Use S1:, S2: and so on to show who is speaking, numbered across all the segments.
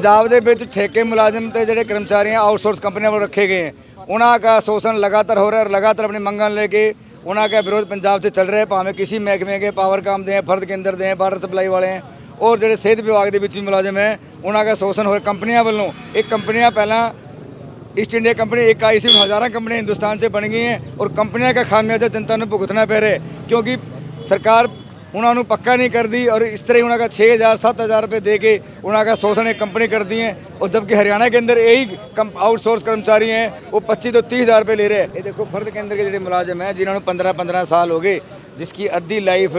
S1: पंजाब दे विच ठेके मुलाजिम ते जिहड़े कर्मचारी हैं आउटसोर्स कंपनियों पर रखे गए हैं, उन्हों का शोषण लगातार हो रहा है और लगातार अपनी मंगां लेके उन्हों का विरोध पंजाब से चल रहा है। भावें किसी महकमे के पावर काम दें, फर्द केंद्र दें, वाटर सप्लाई वाले हैं और जो सेहत विभाग के भी मुलाजिम है उन्हों का शोषण हो रहा है। कंपनियां वालों एक कंपनियां पहला ईस्ट इंडिया कंपनी एक आई सी, हज़ारों कंपनियां हिंदुस्तान से बन गई हैं और कंपनियों का खामियाजा जनता ने भुगतना पै रहा है क्योंकि सरकार उन्होंने पक्का नहीं कर दी और इस तरह उन्होंने 6,000 7,000 रुपये दे के उन्होंने शोषण एक कंपनी कर दी है। और जबकि हरियाणा के अंदर यही आउटसोर्स कर्मचारी हैं वो 25 तो 30,000 रुपये ले रहे हैं। ये देखो फर्द केंद्र के जो मुलाजिम हैं जिन्होंने 15-15 साल हो गए, जिसकी अद्धी लाइफ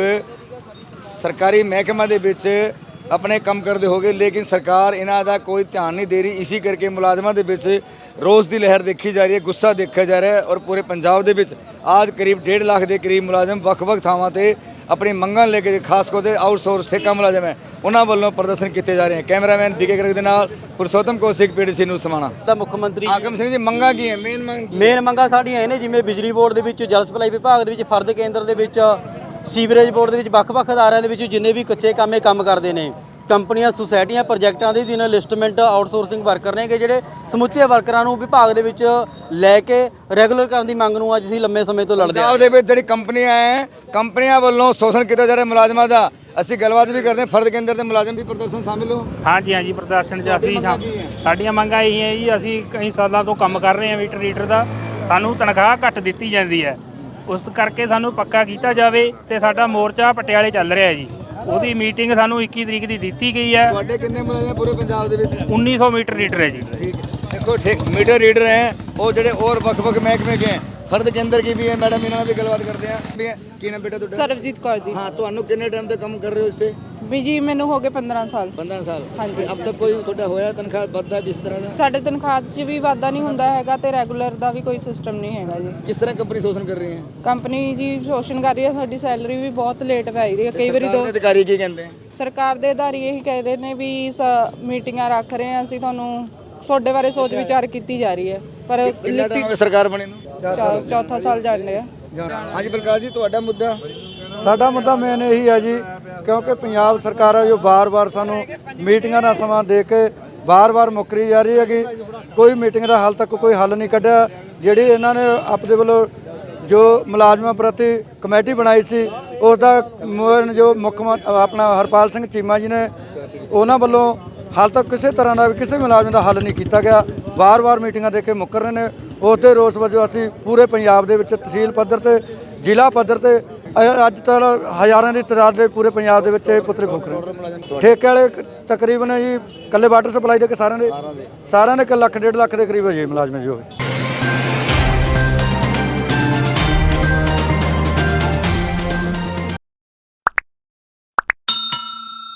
S1: सरकारी महकमा दे विच अपने कम करते हो गए, लेकिन सरकार इन्हों का कोई ध्यान नहीं दे रही। इसी करके मुलाजमान के विच रोज़ की लहर देखी जा रही है, गुस्सा देखा जा रहा है और पूरे पंजाब के विच आज करीब 1.5 लाख के करीब मुलाजम ਵੱਖ-ਵੱਖ ਥਾਵਾਂ ਤੇ अपनी मंगां लेके खास करके आउटसोर्स ठेका मुलाजम है उन्होंने वालों प्रदर्शन किए जा रहे हैं। कैमरामैन डीके गर्ग के नाल पुरुषोत्तम कौशिक PDC न्यूज़ समाणा।
S2: ਮੁੱਖ ਮੰਤਰੀ
S1: आगम सिंह जी मंगां की है
S2: ਮੇਨ ਮੰਗਾਂ ਸਾਡੀਆਂ ਇਹ ਨੇ ਜਿਵੇਂ ਬਿਜਲੀ ਬੋਰਡ ਦੇ ਵਿੱਚ, ਜਲ ਸਪਲਾਈ ਵਿਭਾਗ ਦੇ ਵਿੱਚ, ਫਰਦ ਕੇਂਦਰ ਦੇ ਵਿੱਚ, ਸੀਵਰੇਜ ਬੋਰਡ ਦੇ ਵਿੱਚ ਵੱਖ-ਵੱਖ ਅਦਾਰਿਆਂ ਦੇ ਵਿੱਚ ਜਿੰਨੇ ਵੀ ਕੱਚੇ ਕੰਮੇ ਕੰਮ ਕਰਦੇ ਨੇ ਕੰਪਨੀਆਂ, ਸੁਸਾਇਟੀਆਂ, ਪ੍ਰੋਜੈਕਟਾਂ ਦੇ ਦਿਨ ਲਿਸਟਮੈਂਟ ਆਊਟਸੋਰਸਿੰਗ ਵਰਕਰ ਨੇਗੇ ਜਿਹੜੇ ਸਮੁੱਚੇ ਵਰਕਰਾਂ ਨੂੰ ਵਿਭਾਗ ਦੇ ਵਿੱਚ ਲੈ ਕੇ ਰੈਗੂਲਰ ਕਰਨ ਦੀ ਮੰਗ ਨੂੰ ਅੱਜ ਅਸੀਂ ਲੰਮੇ ਸਮੇਂ ਤੋਂ ਲੜਦੇ ਹਾਂ।
S1: ਉਹਦੇ ਵਿੱਚ ਜਿਹੜੀ ਕੰਪਨੀਆਂ ਹੈ ਕੰਪਨੀਆਂ ਵੱਲੋਂ ਸ਼ੋਸ਼ਣ ਕੀਤਾ ਜਾ ਰਿਹਾ ਮੁਲਾਜ਼ਮਾਂ ਦਾ। ਅਸੀਂ ਗੱਲਬਾਤ ਵੀ ਕਰਦੇ ਹਾਂ, ਫਰਦ ਕੇਂਦਰ ਦੇ ਮੁਲਾਜ਼ਮ ਵੀ ਪ੍ਰਦਰਸ਼ਨ ਸ਼ਾਮਿਲ ਹੋ।
S3: ਹਾਂਜੀ ਹਾਂਜੀ, ਪ੍ਰਦਰਸ਼ਨ 'ਚ ਅਸੀਂ ਸਾਡੀਆਂ ਮੰਗਾਂ ਇਹੀ ਹੈ ਜੀ, ਅਸੀਂ ਕਈ ਸਾਲਾਂ ਤੋਂ ਕੰਮ ਕਰ ਰਹੇ ਹਾਂ ਮੀਟਰ ਰੀਡਰ ਦਾ, ਸਾਨੂੰ ਤਨਖਾਹ ਘੱਟ ਦਿੱਤੀ ਜਾਂਦੀ ਹੈ, ਉਸ ਕਰਕੇ ਸਾਨੂੰ ਪੱਕਾ ਕੀਤਾ ਜਾਵੇ ਤੇ ਸਾਡਾ ਮੋਰਚਾ ਪਟਿਆਲੇ ਚੱਲ ਰਿਹਾ ਜੀ। ਉਹਦੀ ਮੀਟਿੰਗ ਸਾਨੂੰ 21 ਤਰੀਕ ਦੀ ਦਿੱਤੀ ਗਈ ਹੈ।
S1: ਤੁਹਾਡੇ ਕਿੰਨੇ ਮੁਲਾਜ਼ਮ ਪੂਰੇ ਪੰਜਾਬ ਦੇ ਵਿੱਚ?
S3: 1900 ਮੀਟਰ ਰੀਡਰ ਹੈ ਜੀ।
S1: देखो मीटर रीडर हैं और जो और ਵੱਖ-ਵੱਖ महकमे के हैं, फर्द केंद्र की भी है। मैडम इन्होंने भी गलबात करते हैं। की नाम बेटा तुहाडा?
S4: ਸਰਬਜੀਤ ਕੌਰ ਜੀ।
S1: हाँ, ਤੁਹਾਨੂੰ ਕਿੰਨੇ ਟਾਈਮ ਤੋਂ ਕੰਮ ਕਰ ਰਹੇ ਹੋ ਇਸ ਤੇ?
S4: ਵੀ ਜੀ ਮੈਨੂੰ ਹੋ ਗਏ 15 ਸਾਲ।
S1: 15 ਸਾਲ।
S4: ਹਾਂਜੀ।
S1: अब तक कोई ਤੁਹਾਡਾ ਹੋਇਆ ਤਨਖਾਹ ਵੱਧਦਾ ਕਿਸ ਤਰ੍ਹਾਂ ਦਾ?
S4: ਸਾਡੇ ਤਨਖਾਹ 'ਚ ਵੀ ਵਾਧਾ ਨਹੀਂ ਹੁੰਦਾ ਹੈਗਾ ਤੇ ਰੈਗੂਲਰ ਦਾ ਵੀ ਕੋਈ ਸਿਸਟਮ ਨਹੀਂ ਹੈਗਾ ਜੀ।
S1: ਕਿਸ ਤਰ੍ਹਾਂ ਕੰਪਨੀ ਸ਼ੋਸ਼ਣ ਕਰ ਰਹੀ ਹੈ?
S4: ਕੰਪਨੀ ਜੀ ਸ਼ੋਸ਼ਣ ਕਰ ਰਹੀ ਹੈ, ਸਾਡੀ ਸੈਲਰੀ ਵੀ ਬਹੁਤ ਲੇਟ ਪੈ ਰਹੀ ਹੈ। ਕਈ ਵਾਰੀ ਦੋ
S1: ਅਧਿਕਾਰੀ ਕੀ ਕਹਿੰਦੇ ਆ?
S4: ਸਰਕਾਰ ਦੇ ਅਧਾਰੀ ਇਹੀ ਕਹਿ ਰਹੇ ਨੇ ਵੀ ਮੀਟਿੰਗਾਂ ਰੱਖ ਰਹੇ ਹਾਂ ਅਸੀਂ, ਤੁਹਾਨੂੰ ਤੁਹਾਡੇ ਬਾਰੇ ਸੋਚ ਵਿਚਾਰ ਕੀਤੀ ਜਾ ਰਹੀ ਹੈ ਪਰ
S1: ਕਿੰਨਾ ਟਾਈਮ ਹੋ ਗਿਆ ਸਰਕਾਰ ਬਣੇ ਨੂੰ?
S4: ਚੌਥਾ ਸਾਲ ਚੱਲ ਰਿਹਾ।
S1: ਹਾਂਜੀ ਪ੍ਰਕਾਸ਼ ਜੀ, ਤੁਹਾਡਾ ਮੁੱਦਾ?
S5: ਸਾਡਾ ਮੁੱਦਾ ਮੇਨ ਇਹੀ ਹੈ ਜੀ, ਕਿਉਂਕਿ ਪੰਜਾਬ ਸਰਕਾਰ ਹੈ ਜੋ ਵਾਰ-ਵਾਰ ਸਾਨੂੰ ਮੀਟਿੰਗਾਂ ਦਾ ਸਮਾਂ ਦੇ ਕੇ ਵਾਰ-ਵਾਰ ਮੁੱਕਰੀ ਜਾ ਰਹੀ ਹੈਗੀ। ਕੋਈ ਮੀਟਿੰਗ ਦਾ ਹਾਲ ਤੱਕ ਕੋਈ ਹੱਲ ਨਹੀਂ ਕੱਢਿਆ। ਜਿਹੜੀ ਇਹਨਾਂ ਨੇ ਆਪਣੇ ਵੱਲੋਂ ਜੋ ਮੁਲਾਜ਼ਮਾਂ ਪ੍ਰਤੀ ਕਮੇਟੀ ਬਣਾਈ ਸੀ ਉਸ ਦਾ ਜੋ ਮੁੱਖ ਆਪਣਾ ਹਰਪਾਲ ਸਿੰਘ ਚੀਮਾ ਜੀ ਨੇ, ਉਹਨਾਂ ਵੱਲੋਂ ਹਾਲ ਤੱਕ ਕਿਸੇ ਤਰ੍ਹਾਂ ਦਾ ਵੀ ਕਿਸੇ ਮੁਲਾਜ਼ਮ ਦਾ ਹੱਲ ਨਹੀਂ ਕੀਤਾ ਗਿਆ। ਵਾਰ-ਵਾਰ ਮੀਟਿੰਗਾਂ ਦੇ ਕੇ ਮੁੱਕਰ ਰਹੇ ਨੇ। ਉਸ ਦੇ ਰੋਸ ਵਜੋਂ ਅਸੀਂ ਪੂਰੇ ਪੰਜਾਬ ਦੇ ਵਿੱਚ ਤਹਿਸੀਲ ਪੱਧਰ ਤੇ, ਜ਼ਿਲ੍ਹਾ ਪੱਧਰ ਤੇ ਅੱਜ ਤੱਕ ਹਜ਼ਾਰਾਂ ਦੀ ਤਾਦਾਦ ਦੇ ਪੂਰੇ ਪੰਜਾਬ ਦੇ ਵਿੱਚ ਇਹ ਪੁਤਲੇ ਫੂਕ ਰਹੇ। ਠੇਕੇ ਵਾਲੇ ਤਕਰੀਬਨ ਜੀ ਇਕੱਲੇ ਵਾਟਰ ਸਪਲਾਈ ਦੇ ਕੇ ਸਾਰਿਆਂ ਦੇ 1 ਲੱਖ 1.5 ਲੱਖ ਦੇ ਕਰੀਬ ਹੈ ਜੀ ਮੁਲਾਜ਼ਮ ਜੀ ਹੋਏ।